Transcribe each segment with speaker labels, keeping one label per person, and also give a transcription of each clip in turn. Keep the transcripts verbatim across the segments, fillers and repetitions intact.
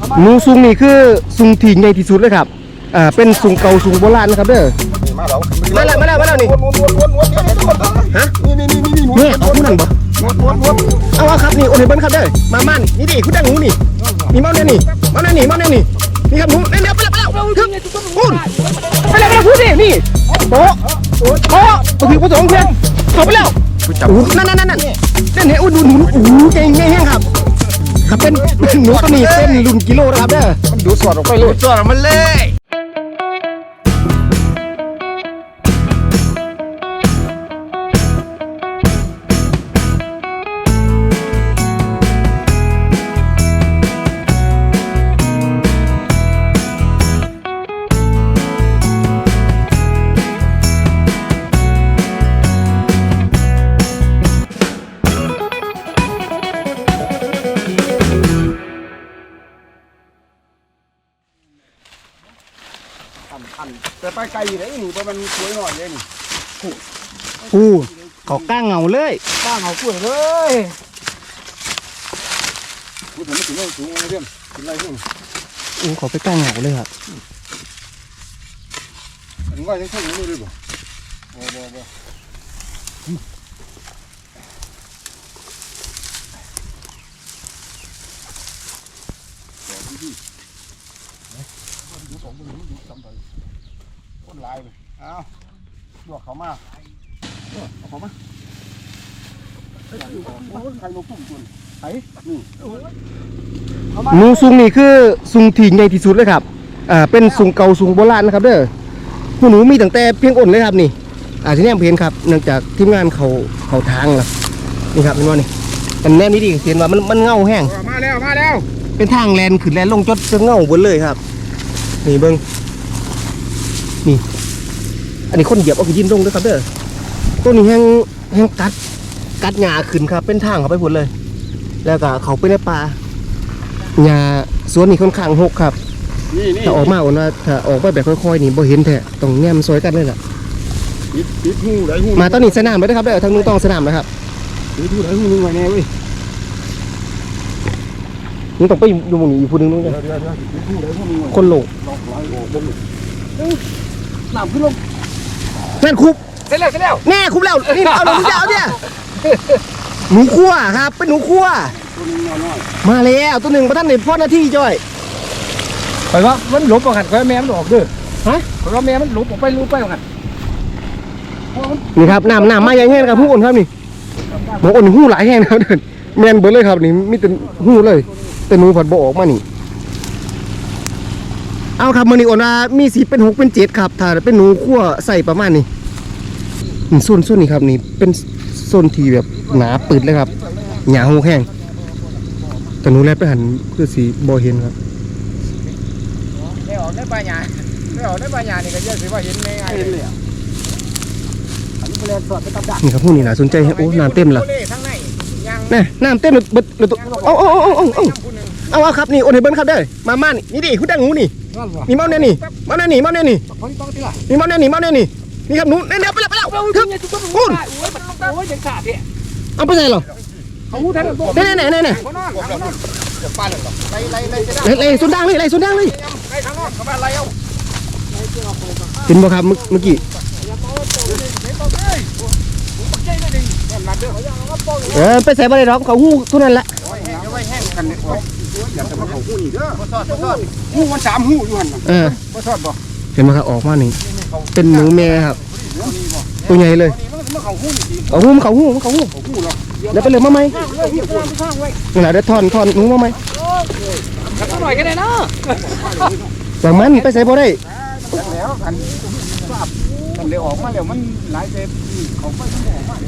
Speaker 1: หนูซุงนี่คือซุงที่ใหญ่ที่สุดเลยครับอ่าเป็นซุงเก่าซุงโบราณนะครับเด้อมาแล้วมาแล้วมาแล้วมาแล้วนี่ฮะนี่นี่นี่นี่นี่เอาผู้นั้นบ่เอาเอาครับนี่โอนให้เบิ้ลครับเด้อมาม่านนี่ดิคุณดังหนูนี่นี่เมาเนี่ยนี่เมาเนี่ยนี่เมาเนี่ยนี่นี่ครับหนูเร็วไปแล้วไปแล้วถึงพูดไปแล้วไปแล้วพูดดินี่โต๊ะโต๊ะมาถึงผสมเพื่อนจบไปแล้วนั่นนั่นนั่นนั่นเล่นให้อุ้นดูหนูโอ้โหเก่งเก่งแห้งครับครับเป็นหนูตัวนี้เป็นรุ่นกิโลนะครับเด้อมันดูสอดออกไปเลยสอดออกมาเลยแต่ไปไกลอยู่ไหนนี่เพราะมันสวยหน่อยเลยนี่อู้เขาก้างเงาเลยก้างเงาสวยเลยพูดถึงไม่ถึงไม่สูงอะไรเรื่องถึงอะไรเรื่องอู้เขาไปก้างเงาเลยครับถึงว่ายังแค่นี้เลยบ่บ่บ่บ่ดูสองคนนี้ดูจำไปคนลายเลยเอาลวกเขามาเอาเขามาใครมาพุ่งตุนไอ้นี่หนูซุงนี่คือซุงที่ใหญ่ที่สุดเลยครับอ่าเป็นซุงเก่าซุงโบราณนะครับเด้อผู้หนูมีตั้งแต่เพียงอ่อนเลยครับนี่อ่าที่นี่เห็นครับเนื่องจากทีมงานเขาเขาทางแล้วนี่ครับเป็นว่านี่เป็นแนวนี้ดิเห็นว่ามันมันเงาแห้งมาแล้วมาแล้วเป็นทางแลนขึ้นแลนลงจดจะเงาบนเลยครับนี่เบิ้งนี่อันนี้คนเหยียบเอาขึ้นยินลงด้วยครับเด้อต้นนี้แห้งแห้งกัดกัดหญ้าขึ้นครับเป็นทางเขาไปหมดเลยแล้วก็เขาไปในป่าหญ้าสวนนี่ค่อนข้างหกครับถ้าออกมาอ่อนว่าถ้าออกไปแบบค่อยๆนี่บ่เห็นแท้ต้องแนมซอยกันเลยล่ะมาตอนนี้สนามเลยนะครับเด้อทางนู้นต้องสนามนะครับนี่ทูไหนหูนึงไงแน่เว้ยนี่ต้องไปดูมึงอีกผู้นึงนู้นเลยคนโลน้ำขึ้นลงแม่นคุบเสร็จแล้วเสร็จแล้วแน่คุบแล้วนี่เอาหนูจะเอาเนี่ยหนูคั่วครับเป็นหนูคั่วมาแล้วตัวหนึ่งประท่านในพ่อหน้าที่จ้อยไปว่ามันหลบออกกันก็แม่มันออกด้วยฮะเพราะว่าแม่มันหลบออกไปลุบไปออกกันนี่ครับน้ำน้ำมาใหญ่แห้งครับผู้คนครับนี่หมอคนหูหลายแห้งนะครับเดินแมนเบิร์ดเลยครับนี่มีแต่หูเลยแต่หนูผัดบ่ออกมานี่เอาครับมันนี่อ่อนว่ามีสีเป็นหกเป็นเจ็ดครับถ้าเป็นหนูคั่วใส่ประมาณนี้โซนโซนนี้ครับนี่เป็นโซนที่แบบหนาปืดเลยครับหยาหูแห้งแต่หนูแลบไปหันคือสีบอเห็นครับได้ออกได้ปลาหยาได้ออกได้ปลาหยานี่ก็เยอะสิว่าเห็นง่ายเลยนี่ครับพวกนี้น่าสนใจโอ้น้ำเต็มละนี่น้ำเต็มเลยเบิดเลยตัวเอาเอาเอาเอาเอาเอาเอาครับนี่โอนให้เบิ้ลครับเด้อมาม่านี่นี่ดิคุณดังหนูนี่นี่เมาเนี่ยนี่เมาเนี่ยนี่เมาเนี่ยนี่นี่เมาเนี่ยนี่เมาเนี่ยนี่นี่ครับหนูเร็วไปแล้วไปแล้วถึงคุณเอาไปไหนหรอเน่เน่เน่เน่ไล่สุดดังเลยไล่สุดดังเลยเห็นบ่ครับเมื่อกี้เออไปใส่บะไรหรอกเขาหู้ทุกนั้นแหละหู้มันสามหู้อยู่หันเออเห็นไหมครับออกมาหนึ่งเป็นหนูแม่ครับตัวใหญ่เลยเขาหู้เขาหู้เขาหู้เดี๋ยวไปเลยมาไหมนี่แหละเดี๋ยวทอนทอนหนูมาไหมหน่อยก็ได้เนาะแต่มันไปใส่บะไรแล้วกันมันเลยออกมาแล้วมันหลายเจ็บเขาไปทั้งออกมา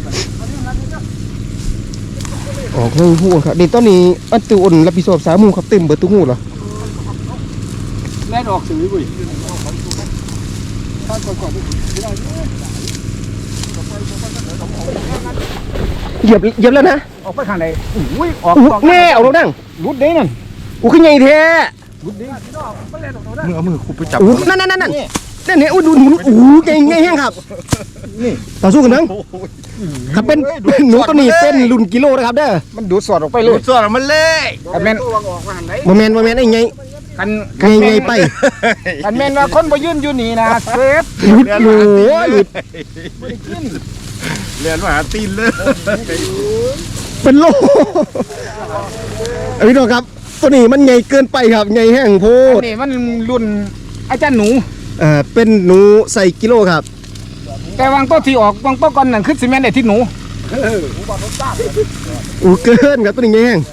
Speaker 1: ออกเลยหูครับดิตอนนี้อันตัวอุ่นรับผิดชอบสามมูครับเต็มเบิดตุ้งหูเหรอแล่นออกสื่อบุ้ยเหยียบเหยียบแล้วนะออกไปข้างไหนอุ้ยออกแน่เอาลงดังรุดเด้นั่นอู้ขึ้นใหญ่แท้รุดเด้มือเอามือคุบไปจับนั่นนั่นนั่นนั่นเนี่ยเนี่ยอุ้ยดูหนูโอ้โหเก่งไงแห้งครับนี่ต่อสู้กันทั้งครับเป็นหนูตัวนี้เป็นรุ่นกิโลนะครับเด้อมันดูดสอดออกไปเลยดูดสอดออกมาเลยโมเมนต์โมเมนต์ไอ้ไง
Speaker 2: กัน
Speaker 1: ไงไงไป
Speaker 2: กันแม่นว่าคนบ่ยืนอยู่นี่นะเซฟ
Speaker 1: หลุดโอ้หลุด
Speaker 2: บ่ได้กิน
Speaker 3: เรียนมาหาตีนเลย
Speaker 1: เป็นโลพี่น้องครับตัวนี้มันใหญ่เกินไปครับใหญ่แห้งโพ
Speaker 2: อั
Speaker 1: ด
Speaker 2: นนี้มันรุ่นอาจารย์หนู
Speaker 1: เอ่อเป็นหนูใส่กิโลครับ
Speaker 2: แต่วางโต๊ะที่ออกวางโต๊ะก่อนนั่นคือซีเมนต์ได้ที่หนู
Speaker 1: อู้เกินครับตัวนี้ใหญ่แห้ง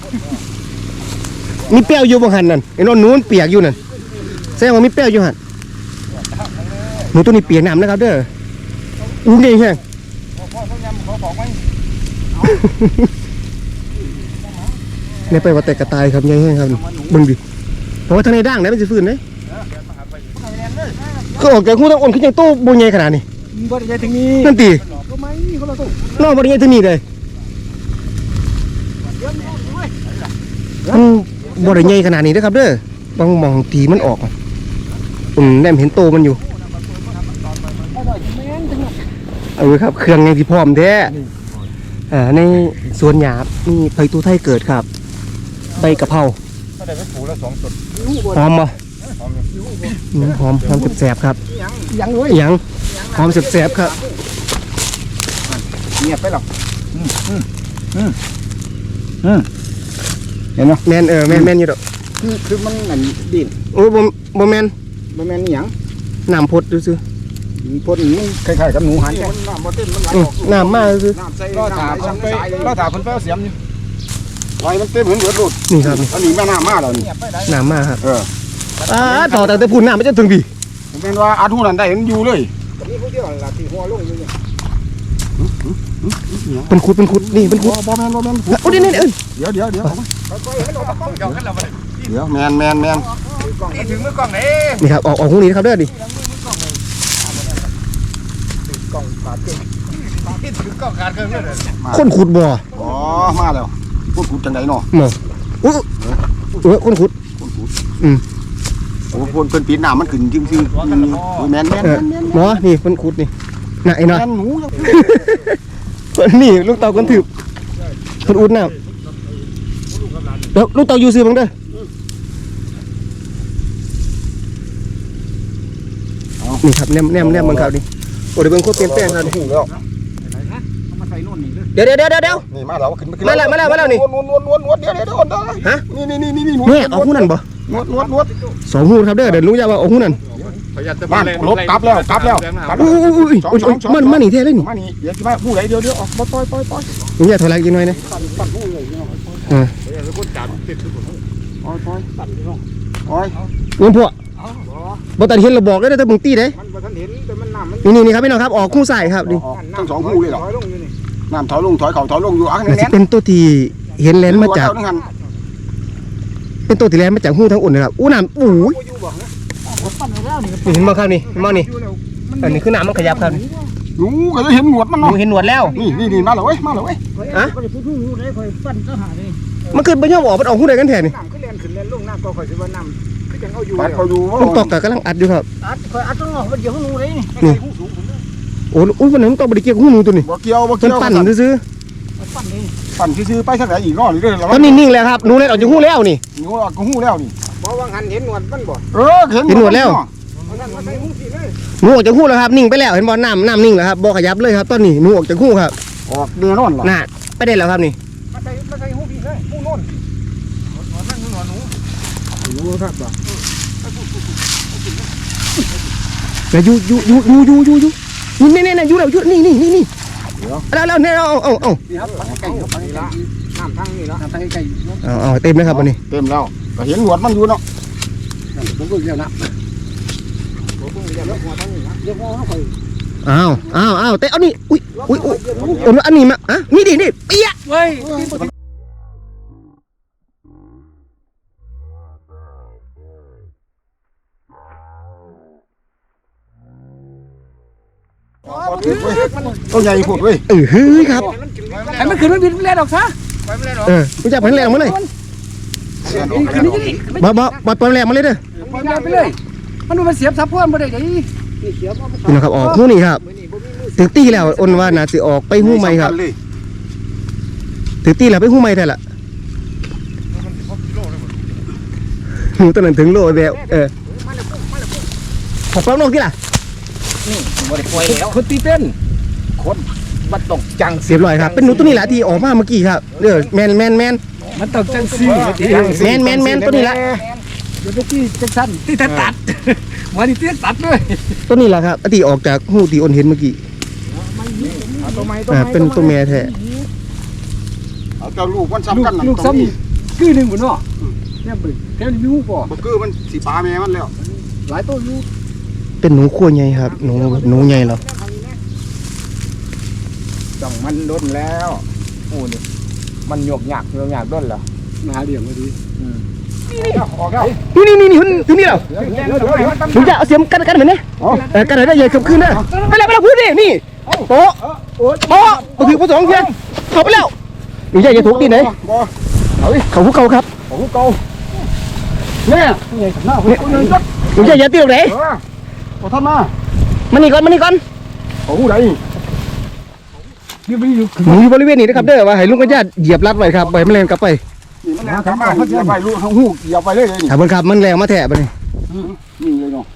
Speaker 1: มีเปรี้ยวอยู่บางหันนั่นไอ้นนหนูมันเปียกอยู่นั่นแสดงว่ามีเปรี้ยวอยู่หันหนูตัวนี้เปียกน้ำนะครับเด้ออู้ใหญ่แห้ง เนี่ยไปว่าแต่กระต่ายครับใหญ่แห้งครับเบิ่งดิเพราะว่าทางในด่างไหนมันจะฟื้นเลยก็ออกจากหูต้องอ่อนขึ้นยังโตโบใหญ่ขนาดนี้
Speaker 2: บ่ได้ถึงนี้
Speaker 1: นั่นตี
Speaker 2: ก็ไม่คนละตู้
Speaker 1: นอกบริเวณที่นี่เลยมันบริเวณขนาดนี้นะครับเด้อบางมองทีมันออกอืมแนมเห็นโตมันอยู่เอาเลยครับเครื่องไงที่พร้อมแท้อ่าในสวนหยาบนี่ไผ่ตูไทยเกิดครับใบกะเพรา
Speaker 3: ถ้าได้ไปปลูกแล้วสองต้น
Speaker 1: หอมบ่อืมหอมหอมแสบๆครับ
Speaker 2: ยังเลย
Speaker 1: หยังหอมแสบๆครับ
Speaker 2: เงียบไปหรอกอืมอืมอืมอืมเห็นไหม
Speaker 1: แมนเออแมนแมนอยู่ดอก
Speaker 2: คือคือมันนั่นดิน
Speaker 1: โอ้บ่บ่แมน
Speaker 2: บ่แม่นอีหยัง
Speaker 1: น้ำพดดูซิ
Speaker 2: พ่นมันคล้ายๆกับหนูหันแค่น้ำบ่เต็มมันไหล
Speaker 1: อื
Speaker 2: อ
Speaker 1: ม
Speaker 2: อก
Speaker 1: น้ำมากคือ
Speaker 2: น้ำใส่ก็ถาเพิ่นไปก็ถาเพิ่นไปเอาเสียมอยู่
Speaker 3: ไว้มันเต็มเหมือนเบิดรูด
Speaker 1: นี่ครับ
Speaker 3: อันนี้แม่น้ำมาแล้วนี่
Speaker 1: น้ำมากครับ
Speaker 3: เออ
Speaker 1: อ่าต่อแต่แต่พูนน้ำไม่จะถึงพี่
Speaker 3: ผมเป็นว่าอาทุนันได้เห็นอยู่เลย
Speaker 2: นี่ผู้เดียวล่ะที่หัวลงอยู่นี่
Speaker 1: เป็นขุดเป็นขุดนี่เป็นขุด
Speaker 3: บ่แมนบ่แมน
Speaker 1: โอ้นี่นี่เอ้ย
Speaker 3: เดี๋ยวเดี๋ยวเดี๋ยว
Speaker 2: ค่อยๆให้ลงกล้องเจ้ากันแล้วบ่ได้
Speaker 3: เดี๋ยวแมนแมนแมน
Speaker 2: นี่ถึงมือกล้องเด้
Speaker 1: นี่ครับออกออกหูนี้นะครับเด้อดิ
Speaker 2: กล้องขาดเกินนี่ถึงกล้องขาดเกินเลย
Speaker 1: คนขุดบ่อ
Speaker 3: อ๋อมาแล้วพูดพูดจังไดเนาะ
Speaker 1: หมออู้เออคนขุด
Speaker 3: พูดพูด
Speaker 1: อืม
Speaker 3: โอ้คนเป็นปีน้ำมันขึ้นจริงจริงแมนแมน
Speaker 1: เออหมอนี่คนขุดนี่น่ะไอ้น้อย
Speaker 3: แมนหนู
Speaker 1: นี่ลูกเต่าคนถือคนอุดน้ำเดี๋ยวลูกเต่าอยู่ซื้อบังเด้อนี่ครับแนมแนมแนมบังเขาดิโอ้เดี๋ยวเบิ่งโคตรเปลี่ยนแปลงครับ
Speaker 3: หูแล้ว
Speaker 2: เอามาใส่โน่นนี่เลย
Speaker 1: เดี๋ยวเดี๋ยวเดี๋ยวเดี๋ยว
Speaker 3: นี่มาแล้วขึ้น
Speaker 1: มาแล้วมาแล้วมาแล้วนี่
Speaker 3: นวดนวดนวดนวดเดี๋ยวเดี๋ยวเดี๋ยว
Speaker 1: ฮะ
Speaker 3: นี่นี่นี่นี่นี่
Speaker 1: เนี่ยเอาหูนั่นบ่
Speaker 3: นวดนวดนวด
Speaker 1: สองหูครับเด้อเดี๋ยวรู้จะว่าเอาหูนั่น
Speaker 3: บ้านรถกลับแล้วกลับแล้วกลับ
Speaker 1: อุ้ยอุ้ยอุ้ยอุ้ยมันมันนี่แท้เลยนี่
Speaker 3: มานี่เดี๋ยวจะมาผู้ใดเดี๋ยวเดี๋ยวออกมาปล่อยปล่อยปล่อย
Speaker 1: มึงอย่าถอยหลังอีกหน่อยนะ
Speaker 3: ตัดตัดผู้เลยเนาะ
Speaker 1: เออ
Speaker 3: ปล่อยปล่อยตัดเนาะปล่อย
Speaker 1: เงินพวกบ่ตัดเห็นเราบอกได้แต่มึงตีเด้
Speaker 2: มันบ่ทันเห็นแต่มันน้ำมัน
Speaker 1: นี่นี่นี่ครับพี่น้องครับออกคู่ใส่ครับดิ
Speaker 3: ทั้งสองผู้เลยเหรอ
Speaker 2: ถอยลงอยู่นี่
Speaker 3: น้ำถอยลงถอยเข่าถอยลงอยู่อ่ะ
Speaker 1: มัน
Speaker 3: แน่
Speaker 1: จะ
Speaker 3: น
Speaker 1: เป็นตัวที่เห็นแลนมาจาก
Speaker 3: หัน
Speaker 1: เป็นตัวที่แลนมาจากหูทั้งอุ่นนะครับอู้น้ำอู้ย
Speaker 2: อยู่บ่ฮะปั่นไปแล้วนี่
Speaker 1: นี่เห็นบ่ครับนี่เห็นบ่นี่อันนี้คือน้ำมันขยับครับ
Speaker 3: หนูก็จะเห็นหนวดมัน
Speaker 1: ห
Speaker 3: เนาะ
Speaker 1: นูเห็นหนวดแล้ว
Speaker 3: นี่นี่นี่มาเลยเว้ยมาเลยเว้ย
Speaker 1: อะ
Speaker 2: ก็ได้พูดฮู้ได้ค่อยปั่นก็หานี่
Speaker 1: มันขึ้นไปย่อมออกมันออกหูได้กันแท้นี่
Speaker 2: น้ำขึ้นแล่นขึ้นแล่นลงน้ำก็ค่อยสิว่าน้ำคือจังเอาอยู่
Speaker 3: ปัดเขาดู
Speaker 1: ลูกตอกกะกำลังอัดอยู่ครับ
Speaker 2: อัดค่อยอัดต้องออกมันเดี๋ยวฮู้เลยนี่
Speaker 1: นี่โอ้อุ้ยวันนั้นมันต้องบริเกี่ยวกับหูหนูตัวนี้
Speaker 3: บ่เกี่ยวบ่
Speaker 1: มั
Speaker 3: เกี่
Speaker 1: น
Speaker 3: ยว
Speaker 1: ปั่นซื้อ
Speaker 2: ปั่นนี่
Speaker 3: ปั่นซื้อไปสักไหนอีกเนาะนี่เด้อ
Speaker 1: ๆตอนนี้นิ่งแล้วครับหนูเล่นออกจากหูแล้วนี่
Speaker 3: หนูก็หู้แล้วนี่
Speaker 2: บ่ว่าหันเห็นหนวดมันบ่
Speaker 3: เออเห็น
Speaker 1: เห็นหนวดแล้ว
Speaker 2: เอานั่นมาใส่หูสิเลย
Speaker 1: หนูออกจากหูแล้วครับนิ่งไปแล้วเห็นบ่น้ำน้ำนิ่งแล้วครับบ่ขยับเลยครับตอนนี้หนูออกจากหูครับ
Speaker 3: ออกแน่นอนล่ะ
Speaker 1: น่ะไปได้แล้วครับนี่
Speaker 2: มาใส่มาใส่หูพี่เลยหูโน่นหนวดมันหนวดหนู
Speaker 3: หนูครับบ่
Speaker 1: แล้วอยู่อยู่อยู่อยู่อยู่อยู่อยู่นี่นี่นี่อยู่แล้วอยู่นี่นี่นี่นี่แล้วแล้วเนี่ยเอาเอาเอา
Speaker 2: นี่ครับใกล้ๆนี่ละน้ำทางนี่ละน้ำทางใกล้
Speaker 1: เอาเอาเต็มเลยครับวันนี้
Speaker 3: เต็มแล้วก็เห็นหนวดมันอยู่เนาะ
Speaker 2: ๆผมก็เรียกนะผมก็เรียกแล้วหัวทางนี่นะเรียกว่าเขาค่อย
Speaker 1: อ้าวอ้าวอ้าวแต่เอานี่อุ้ยอุ้ยอุ้ยเอาอันนี้มาอ่ะนี่ดินี่เปี๊ยะ
Speaker 2: เว้ย
Speaker 3: ตัวใหญ่พูดเว้ย
Speaker 1: เออเฮ้ยครับ
Speaker 2: ให้มันขึ้นมันบินแล่นออกซะ
Speaker 1: เออรู้จักพันแรงมาเลย
Speaker 2: ขึ้นนี่นี่
Speaker 1: บ่บ่บ่ปล่อยแรงมาเลยเด้อ
Speaker 2: มันแล่นไปเลย มันดูมันเสียบซับเพื่อนบ่ได้เด้นี่เสียบ
Speaker 1: นี่นะครับออกหูนี่ครับถึงตีแล้วอ้นว่าน่าสิออกไปหูใหม่ครับถึงตีแล้วไปหูใหม่แท้ละแมนูตัวนั้นถึงโลแบบเออขอปลาลงที่ล่ะ
Speaker 2: นี่บ่ได้ปล่อยแล้วคนตีเป็นคนมันตกจัง
Speaker 1: เรียบร้อยครับเป็นหนูตัวนี้แหละที่ออกมาเมื่อกี้ครับเด้อแมนแมนแมน
Speaker 2: มันตกจังซี่
Speaker 1: แมนแมนแมนตัวนี้แหละ
Speaker 2: เดี๋ยวเมื่อกี้จังซั่นที่ตัดตัดวันนี้ที่ตัดเลย
Speaker 1: ตัวนี้แหละครับที่ออกจากหูที่อ้นเห็นเมื่อกี้
Speaker 2: เอาตัวไม้ตัว
Speaker 1: อ่า
Speaker 2: ไม้
Speaker 1: เป็นตัวแม่แท้
Speaker 3: เอาเจ้าลูกมันซ้ำ
Speaker 2: ลูก
Speaker 3: กันน่ะ
Speaker 2: ลูกซ้ำนี่คือหนึ่งบ่เนาะเนี่ยบึ้งแถวนี้มีหูบ่
Speaker 3: บ่คือมันสิปลาแม่มันแล้ว
Speaker 2: หลายตัวอยู่
Speaker 1: เป็นหนูขั้วใหญ่ครับหนูหนูใหญ่เหรอ
Speaker 2: ต้องมันโดนแล้วโอ้นี่มันหยกหยักหยกหยักโดนแล้วมาหาเดี่ยงพอดีนี่ออกแล้ว
Speaker 1: นี่นี่นี่หุ่นถึงนี่แล้ว
Speaker 2: เดี๋ยวเดี๋ยวเดี๋ยว
Speaker 1: หนูจะเอาเสียมกันกันเหมือนนี่เออกันได้ใหญ่ขึ้นขึ้นนะไปแล้วไปแล้วพูดดินี่โป๊ะโป๊ะมาถึงผู้สองเพียงเข้าไปแล้วหนูใหญ่จะถูกตีไหน
Speaker 3: บ่
Speaker 1: เขาผู้เขาครับ
Speaker 2: โอ้โหเก่าเนี่ยใหญ่หน้าหัวคนนึง
Speaker 1: หนูใหญ่จะตีตรงไหน
Speaker 3: บ่ทันมา
Speaker 1: มานี่ก่อนมานี่ก่อน
Speaker 3: โอ้โหได้
Speaker 2: นี่ไม่อยู่
Speaker 1: หนูอยู่บริเวณนี้นะครับเด้อว่าให้ลุงกับญาติเหยียบรัดไว้ครับไปไม่แรงกลับไป
Speaker 3: นี่มันกลับมาเดี๋ยวไปลูกเฮาฮู้อย่าไปเลยนี่
Speaker 1: ถามเพิ่นครับมันแรงมาแทะไปนี่
Speaker 3: นี่เลยเนาะ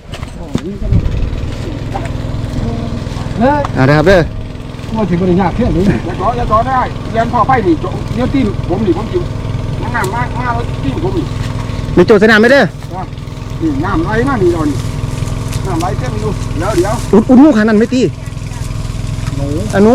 Speaker 2: เนี่ย
Speaker 1: อ่านะครับเด้อ
Speaker 2: มาถึงบริญญาเพี้ยนเลย
Speaker 3: อย่าต่ออย่าต่อได้เรียนพ่อไปนี่เดี๋ยวตีนผมนี่ผมอยู่งามมากมาแล้วตีนผมนี่
Speaker 1: มีโจทย์สนามไหมเด้อ
Speaker 3: นี่น้ำไหลมานี่ดอนน้ำไหลเต็มอยู่เดี๋ยวเดี๋ยว
Speaker 1: อุดอุดหูขานั่นไม่ตีอนุ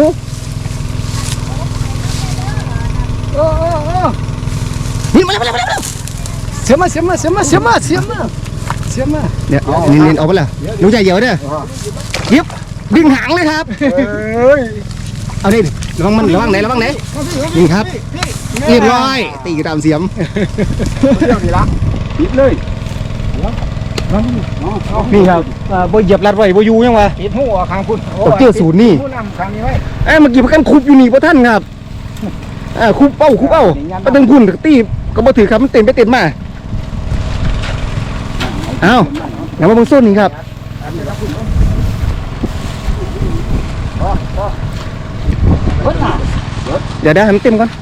Speaker 2: เออเออเออ
Speaker 1: นี่มาแล้วมาแล้วมาแล้ว
Speaker 2: เสียมาเสียมาเสียมาเสียมาเสียมาเสียมา
Speaker 1: เนี่ยนี่นี่เอาไปแล้วหนูใหญ่เหี่ยวเด้อยิบดึงหางเลยครับ
Speaker 3: เอ้ย
Speaker 1: เอาดิระวังมันระวังไหนระวังไหนนี่ครับเรียบร้อยตีตามเสียม
Speaker 3: เดี๋ยวนี่ละปิดเลยเอาเอา
Speaker 1: นี่ครับอ่าบ่เหยียบรัดไว้บ่อยู่ยังวะ
Speaker 2: ปิดหัวข้างคุณ
Speaker 1: ตกเจอศูนย์นี่
Speaker 2: ผู้นำข้างนี้ไว้
Speaker 1: เอ้ยเมื่อกี้พากันคุบอยู่นี่บ่ท่านครับอ่าคุบเป้าคุบเป้าไปตึงพุ่นตีก็บ่ถือครับมันเต็มไปเต็มมาเอ้าอย่ามาเบิ่งโซนนี่ครับเดี๋ยวเดี๋ยวให้มันเต็มก่อน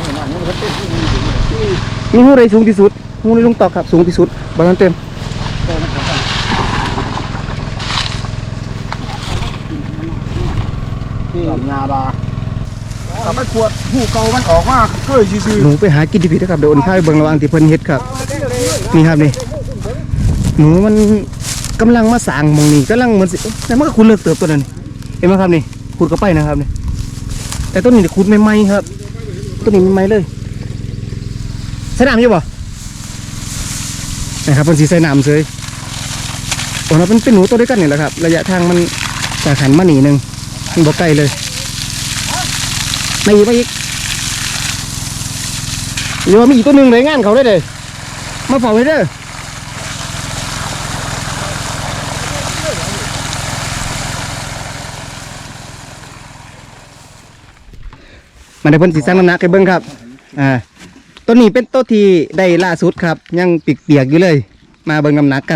Speaker 1: มีหูใดสูงที่สุดหูในลุงตอกครับสูงที่สุดบ่ทันเต็ม
Speaker 3: ที่งาดาถ้าไม่ขวดหูเก่ามันออกมาเคยซื่อ
Speaker 1: หนูไปหากินที่ผิดนะครับเดี๋ยวโอนข้าวไปเบิ่งระหว่างที่เพิ่นเฮ็ดครับนี่ครับนี่หนูมันกำลังมาสร้างหมองนี่กำลังเหมือนสิแต่มันก็คุณเลิกเติบตัวนั้นนี่เห็นไหมครับนี่ขุดเข้าไปนะครับนี่แต่ต้นนี้ขุดใหม่ๆครับต้นนี้ใหม่ๆเลยใส่น้ำอยู่บ่นะครับเพิ่นสิใส่น้ำเฉยโอ้เราเป็นเป็นหนูตัวเดียวกันนี่แหละครับระยะทางมันจากหันมาหนีหนึงมันบ่ไกลเลยมาอีกมาอีก เดี๋ยวมีอีกตัวหนึ่งเลยงานเขาได้เลยมาเฝ้าให้เด้อมาได้เพิ่นสิสร้างน้ำหนักให้เบิ่งครับอ่าตัวนี้เป็นตัวที่ได้ล่าสุดครับ ยังเปียกๆอยู่เลย มาเบิ่งน้ำหนักกัน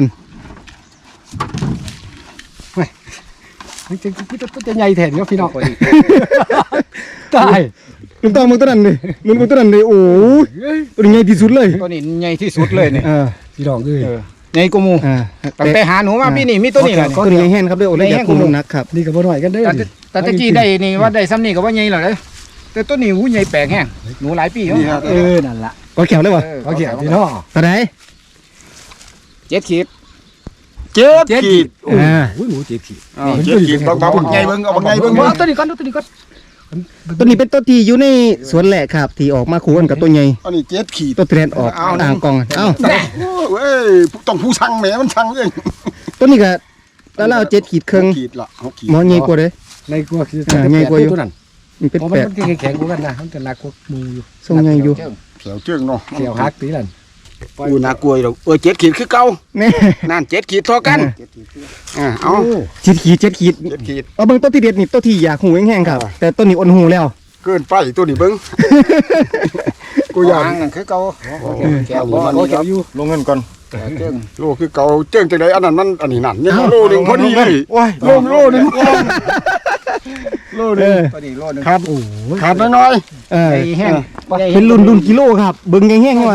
Speaker 2: มันจะมันจะใหญ่แทนก็พี่น้องตาย
Speaker 1: ลุงต้องมึงตัวนั้นเลยลุงมึงตัวนั้นเลยโอ้ยตัวนี้ใหญ่ที่สุดเลย
Speaker 2: ตัวนี้ใหญ่ที่สุดเลยเนี่ย
Speaker 1: อ่า
Speaker 2: พี่น้องเอ้ยใหญ่กูมู
Speaker 1: อ่า
Speaker 2: ตั้งแต่หาหนูมาพี่นี่มีตัวนี้แหละ
Speaker 1: ตัวนี้แห้งครับด้วยโอ้ยอยากคุมน้ำหนักครับ
Speaker 2: นี่ก็บ่น้อยกันเด้อแต่ตะกี้ได้นี่ว่าได้ซ้ำนี่ก็ว่าใหญ่แล้วเลยแต่ตัวนี้หูใหญ่แปลกแห้งหนูหลายปีแล้วเออนั่นล่ะ
Speaker 1: ก็แขวเลยวะ
Speaker 2: เขาเขียนพี่น้อง
Speaker 1: ตัวไหน
Speaker 2: เจ็ดขีด
Speaker 3: ๆเจ็ดขีด
Speaker 1: อ่า
Speaker 2: อุ้ยหนูเจ็ดขีด
Speaker 3: เจ็ดขีดบังบังไงเบิ่งเอาบังไงเบิ่ง
Speaker 2: เอาตัวนี้ก่อนตัวนี้ก่อน
Speaker 1: ตัวนี้เป็นตัวที่อยู่ในสวนแหละครับ ที่ออกมาคู่กันกับตัวใหญ่
Speaker 3: อันนี้เจ็ดขีด
Speaker 1: ตัวแทนออกอ่างกองเอ้า
Speaker 3: เว้ยต้องผู้สั่งแหมมันสั่งเอง
Speaker 1: ตัวนี้ก็แล้วเราเจ็ดขีดครึ่ง
Speaker 3: ขีดละหกขีด
Speaker 1: หมอใหญ่กว่าเลย
Speaker 2: ในกลัวคือ
Speaker 1: อ่าใหญ่กว่าอยู่
Speaker 2: ตัวนั้น
Speaker 1: มันเป็น
Speaker 2: เพราะ
Speaker 1: แป
Speaker 2: มัน
Speaker 1: ด
Speaker 2: มันแข็งๆกว่ากันนะมันจะหนักกว่ามูอยู่
Speaker 1: ทรงใหญ่อยู่
Speaker 3: แถวเจื้องเนาะ
Speaker 2: เขียวฮักตีนั่น
Speaker 3: อูน่ากลัวอยู่เออเจ็ดขีดคือเก่า
Speaker 1: แน่
Speaker 3: นั่นเจ็ดขีดเท่ากันอ่าเอา
Speaker 1: เจ็ดขีดเจ็ดขีด
Speaker 3: เจ็ดขีด
Speaker 1: เอาเบิ่งตัวที่เด็ดนี่ตัวที่อยากหูแห้งๆครับ แต่ตัวนี้อ่อนหูแล้ว
Speaker 3: เกินไปตัวนี้เบิ่งกูอยาก
Speaker 2: นั่นคือเก่า
Speaker 3: แก้วบ่มันครับลงเงินก่อน
Speaker 2: เจิง
Speaker 3: โลคือเก่าเจื้องจังไดอันนั้นมันอันนี้นั่นเนี่ยโลนึงพอดีเลย
Speaker 1: โอ้ย
Speaker 3: โลโลนึงโลนึง
Speaker 2: ตัวนี้โลนึง
Speaker 3: ขาดขาดน้อย
Speaker 1: เออ
Speaker 2: ไอ้แห้ง
Speaker 3: ๆ
Speaker 1: เป็นรุ่นรุ่นกิโลครับเบิ่งแห้งๆว่า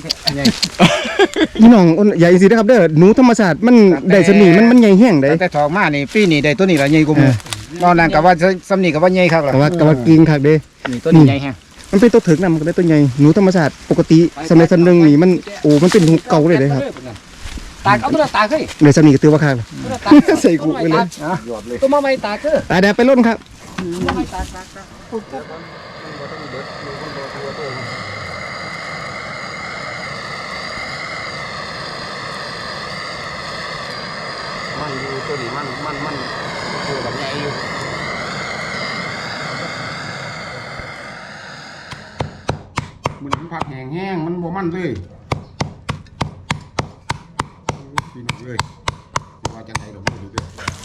Speaker 1: พี่น้องใหญ่สินะครับเด้อหนูธรรมชาติมันได้สนิมันมันใหญ่แห้งได้
Speaker 3: แต่ทองมานี่ปีนี้ได้ตัวนี้ละใหญ่กว่าหมู่นอกนั้นก็ว่าซ้ำนี่ก็ว่าใหญ่คักล่ะ
Speaker 1: ก็ว่าก็ว่ากินคักเด้
Speaker 3: นี่ตัวนี้ใหญ่แฮะ
Speaker 1: มันเป็นตัวถึกนำก็ได้ตัวใหญ่หนูธรรมชาติปกติสมัยสันนึงนี่มันโอ้มันเป็นหนูเก่าเลยเด้ครับ
Speaker 3: ตากเอาตัวตากเฮ้ย
Speaker 1: ในสนิก็ตือว่าคักใส่กุไปเลย
Speaker 3: ตัวมาใหม่ตากเด้อ
Speaker 1: ตายแดดไปล้นครับ
Speaker 3: มาใหม่ตากตากตากมันอยู่ตัวนี้มันมันมันตัวแบบใหญ่อยู่มันพักแห้งๆมันบ่มันเลยพี่น้องเลยว่าจังได๋ดอกบ่รู้เด้อ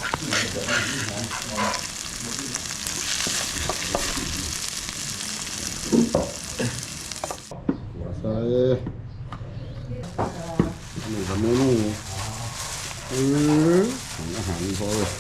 Speaker 3: ใส่อันนี้ก็เมนูเอออาหารพอเลย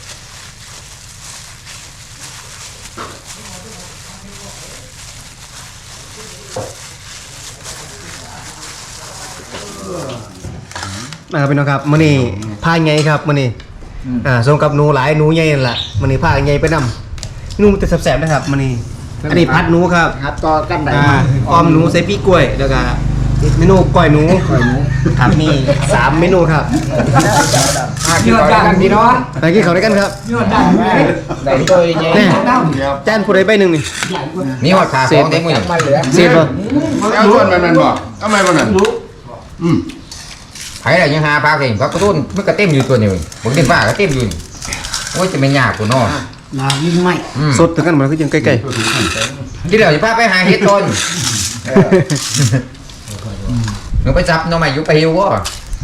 Speaker 1: มาครับพี่น้องครับมื้อนี้พาใหญ่ครับมื้อนี้อ่าส่งกับหนูหลายหนูใหญ่นั่นล่ะมื้อนี้พาใหญ่ไปนำหนูมันจะแซ่บๆนะครับมื้อนี้อันนี้ผัดหนูครับ
Speaker 3: ฮัดต่อกันได้
Speaker 1: อ่าออมหนูใส่ปีกล้วยแล้วก็เมนูก้อยหนูก้อยหนูครับมีสามเมนูครับ
Speaker 3: มากินต่อกันพี่น้อง
Speaker 1: ไปกินข้าวด้วยกันครับ
Speaker 3: ได้ตัวใหญ่
Speaker 1: แน่จานผู้ใดใบหนึงนี่
Speaker 2: มีหอดขาของเต็มมือ
Speaker 3: มาเหลือ
Speaker 1: เสียบ่
Speaker 3: เอาส่วนมันมันบ่ทำไมมันนั่นอืม
Speaker 2: ไผ่อะไรยังหาปลาเก่งก็กระตุ้นมันก็เต็มอยู่ตัวนี้ผมเต็มปลาก็เต็มอยู่โอ้ยจะไม่ยากกูนอน
Speaker 3: นายิ่งไม่
Speaker 1: สดถึงกันมันก็ยังใกล้
Speaker 2: ที่เดี๋ยวจะพาไปหาเห็ดต้นหนูไปจับน้องใหม่ยุไปหิววะ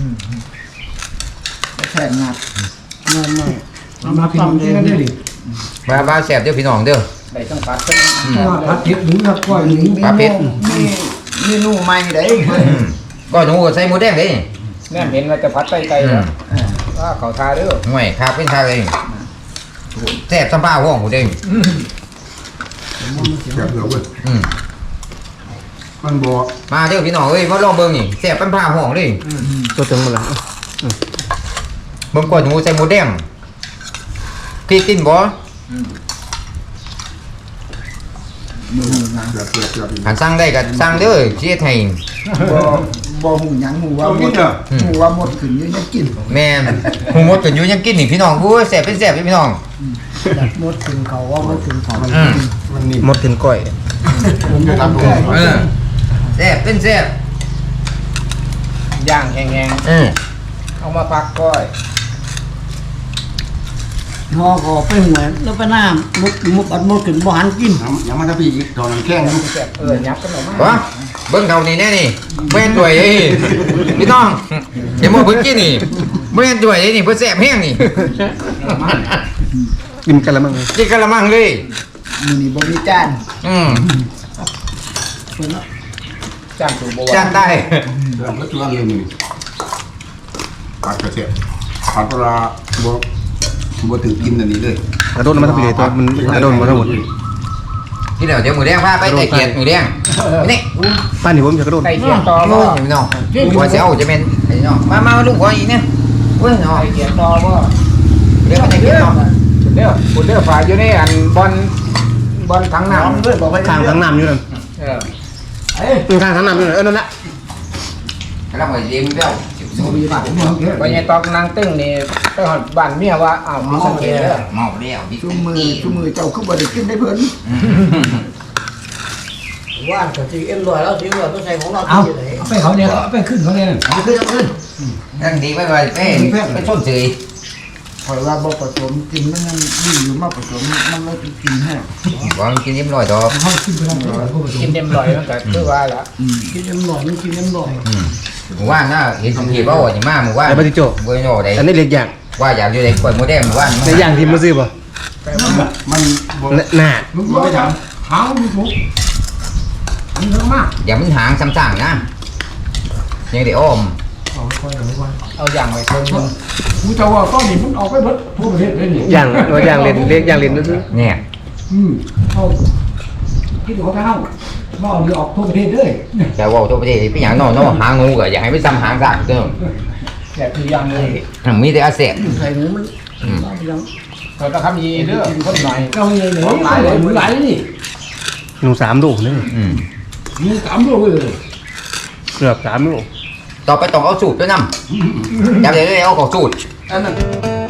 Speaker 3: แข่งงัดเงินไม่เอามาพี่น้องกินกันได้ดิ
Speaker 2: มาบ้าแสบเด้อพี่น้องเด้อ
Speaker 3: ได้ต้องปัดเป็นปัดเผ็ดหรือครับก้อยหรือ
Speaker 2: ปลาเป็ด
Speaker 3: นี่นี่นู่ใหม่ได้
Speaker 2: ก็หนูใส่หมูแดงเลย
Speaker 3: แม่เห็นว่าจะพัดไตไก่แล้วว่าเขาทาเด้อ
Speaker 2: ห่วยข้าเป็นทาเลยแสบสัมภาห้องหมูแดง
Speaker 3: เสียบเหลือเว้ย
Speaker 2: อืม
Speaker 3: มันบ่
Speaker 2: มาเด้อพี่น้องเอ้ยมาลองเบิ่งนี่แสบสัมภาห้องเลย
Speaker 1: ๆสดถึงหมดแล้ว
Speaker 2: เบิ่งก่อนหนูใส่หมูแดงพี่กินบ่
Speaker 3: เสียบเสียบเสียบ
Speaker 2: หันสั่งได้ก็สั่งเด้อเชียร์ไทย
Speaker 4: บ่บ่หูหยังหูว่าหมดหูว่าหมดขึ้นอยู่ยังกิน
Speaker 2: แม่นหูมดกันอยู่ยังกินนี่พี่น้องกูแสบเป็นแสบพี่น้อง
Speaker 4: หมดขึ้นเขาว่าหมดขึ้นเขา
Speaker 2: อืม
Speaker 3: มันนี่
Speaker 1: หมดถึงก้อย
Speaker 3: ผมจะทำดู
Speaker 2: เออแสบเป็นแสบ
Speaker 3: ย่างแห้ง
Speaker 2: อืม
Speaker 3: ๆเอามาพักก้อย
Speaker 4: หอก็ไปหัวแล้วไปน้ำมุกมุกอัดหมดขึ้นบ่หันกิน
Speaker 3: ยังมันจะพี่อีกตอนนั้นแข้งแซ่บเออยับกันออกมาว
Speaker 2: ะเบิ่งเท่านี้แน่นี่แม่นด้วยเอ้ยพี่น้องอย่ามาเพิ่งกินนี่แม่นด้วยเอ้ยนี่เพิ่นแสบแห้งนี่
Speaker 1: กินกันละมั้งเลย
Speaker 2: กินกะละมังเลย
Speaker 4: มื้อนี้บ่มีจาน
Speaker 2: อืม
Speaker 4: เพิ่นเนาะ
Speaker 3: จ้างตัวบัว
Speaker 2: จานได้
Speaker 3: เรื่องก็ตัวเลยนี่ผัดกระเทียมผัดปลาบัวบัวถึงกินอันนี้เลย
Speaker 1: กระโดดมาทั้งปีเลยตัวมันกระโดดมาทั้งหมด
Speaker 2: ที่เดี๋ยวเดี๋ยวหมูแดงพาไปไต่เกียรติหมูแดงนี่
Speaker 1: ป้านนี่ผมจะกระโดด
Speaker 3: ไก่เทียมต่อ
Speaker 2: โอ้
Speaker 3: บ่
Speaker 2: ยพี่น้องว่าสิเอาจะเป็นไอ้น้องมามาลูกขออีกเนี่ยเว้ยน้อง
Speaker 3: ไก่เทียมต่อบ่
Speaker 2: เดี๋ยวมาไต่เกียรติน้อง
Speaker 3: เด้อคุณเด้อฝ่ายอยู่ในอันบอลบอลทั้งน้
Speaker 4: เอาเพิ่นบอกไป
Speaker 1: ข้างทั้งน้ำอยู่นั่น
Speaker 3: ำเออ
Speaker 4: เอ้ย
Speaker 1: ข้างทั้งน้ำอยู่นั่นเออนั่นแหละ
Speaker 2: กำลังไปเลี้ยงเจ้าสิบสอง
Speaker 4: มีบาดผมเอาเถอะ
Speaker 3: ไปยังตอกนางตึ้งนี่ไปหอดบ้านเมียว่าอ้าวมีสังเกตเด้อ
Speaker 2: เมาแล้วพี่
Speaker 4: ชุมมือชุมมือเจ้าคือบ่ได้กินได้เพิ่นว่านก็สิเอ็นร้อยแล้วสิว่าต้องใส่ของเราที่ไหน
Speaker 3: ไปเขาเนี่ยไปขึ้นเขาเนี่ย
Speaker 2: เอาขึ้นเอาขึ้นนั่งดีไปไปไปไปชนเฉย
Speaker 4: เพราะว่าบ่ผสมกินมันยังดีอยู่มาผสมมันเลยกินแห้ง
Speaker 2: วางกินยิ้มลอยดอก
Speaker 4: เฮากินไปทางไหน
Speaker 3: กินเต็มร้อยมันก็คือว่าละ
Speaker 4: อืมกินน้ำหน่อยมันกินน้ำหน่อย
Speaker 2: หมู่ว่านน่ะเห็นสังเกตว่าอย่างมากหมู่ว่าน
Speaker 1: ไอ้ปฏิโจ
Speaker 2: เบอร์โน่ได้
Speaker 1: อันนี้เล็กอย่าง
Speaker 2: ว่าอยากอยู่ในกล้วยโมเดลหมู่ว่าน
Speaker 1: ในอย่างที่มาซื้อป่ะ
Speaker 3: มันบ่
Speaker 1: หน้า
Speaker 3: มึงบ่ไปถามหางมึงถูกมันเยอะมาก
Speaker 2: อย่ามันหางซ้ำๆนะยังได้อ้อม
Speaker 3: เอาอย่างไปคนนึงกูจะว่าก้อนนี้มันออกไปเบิดทั่วประเทศเลยนี่
Speaker 1: อย่างว่าอย่างเล่นเล็กอย่างเล่นซื้อ
Speaker 2: เนี่ย
Speaker 3: อืมเอาคิดดูเขาไปเฮา
Speaker 4: หม้อนี่ออกทั่วประเทศเลย
Speaker 5: แต่ว่าตัวประเทศพี่อย่างนอนนอนหางงูก็อยากให้ไม่ซ้ำหางกันก็
Speaker 2: แซ่บทุกอย่างเลย
Speaker 5: มีแต่อาเซียน
Speaker 4: ใส่หมูมันยัง
Speaker 2: เราต้องทำยีเด้อคนหน่อย
Speaker 4: เก้าใหญ่เลยหลายเลยหมูหลายนี่
Speaker 1: หนูสามลูกนี่
Speaker 5: อืม
Speaker 4: มีสามโลเลย
Speaker 1: เกือบสามลูก
Speaker 5: ต่อไปต้องเอาสูตรด้วยนำจำเลยเอาของสูตร
Speaker 4: อันนั้น